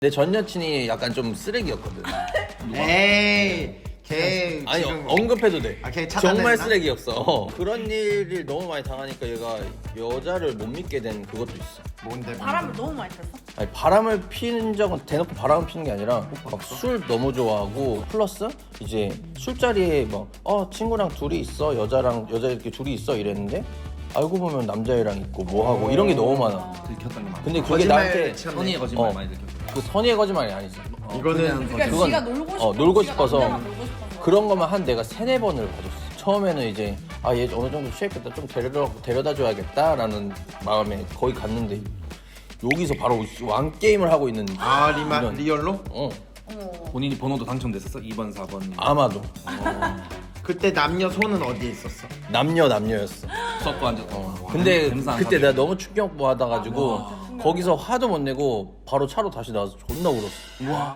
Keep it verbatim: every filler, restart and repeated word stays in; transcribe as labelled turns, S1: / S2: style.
S1: 내 전 여친이 약간 좀 쓰레기였거든.
S2: 에이 걔
S1: 아니
S2: 지금
S1: 언급해도 돼.
S2: 아, 걔 차단했나?
S1: 정말 쓰레기였어. 어. 그런 일을 너무 많이 당하니까 얘가 여자를 못 믿게 된 그것도 있어.
S2: 뭔데?
S3: 바람을 너무 많이 폈어?
S1: 아니 바람을 피는 적은 대놓고 바람을 피는 게 아니라 막 술 너무 좋아하고 플러스 이제 술자리에 막 어 친구랑 둘이 있어 여자랑 여자 이렇게 둘이 있어 이랬는데 알고 보면 남자애랑 있고 뭐 하고 이런 게 너무 많아.
S4: 들켰던 게 많아.
S1: 근데 그게
S2: 거짓말
S1: 나한테
S2: 쳤네.
S4: 선의의 거짓말
S1: 어.
S4: 많이 들켰어.
S1: 그 선의의 거짓말이 아니지.
S4: 어,
S2: 이거는
S4: 그냥
S3: 그러니까
S1: 그건-
S3: 지가 놀고 싶어
S1: 어, 놀고
S3: 지가
S1: 싶어서
S3: 남자랑 놀고 싶어서.
S1: 그런 것만 한 내가 세네 번을 봐줬어. 처음에는 이제 아 얘 어느 정도 취했겠다 좀 데려다 데려다 줘야겠다라는 마음에 거기 갔는데 여기서 바로 왕 게임을 하고 있는.
S2: 아 리마
S1: 이런.
S2: 리얼로?
S1: 어
S3: 어머.
S4: 본인이 번호도 당첨됐었어? 이 번, 사 번.
S1: 아마도
S2: 그때 남녀 손은 어디에 있었어?
S1: 남녀 남녀였어.
S4: 수업도 앉았다.
S1: 근데
S4: 뱀상
S1: 그때
S4: 사귀고.
S1: 내가 너무 충격받아가지고 거기서 화도 못 내고 바로 차로 다시 나와서 존나 울었어.
S4: 우와.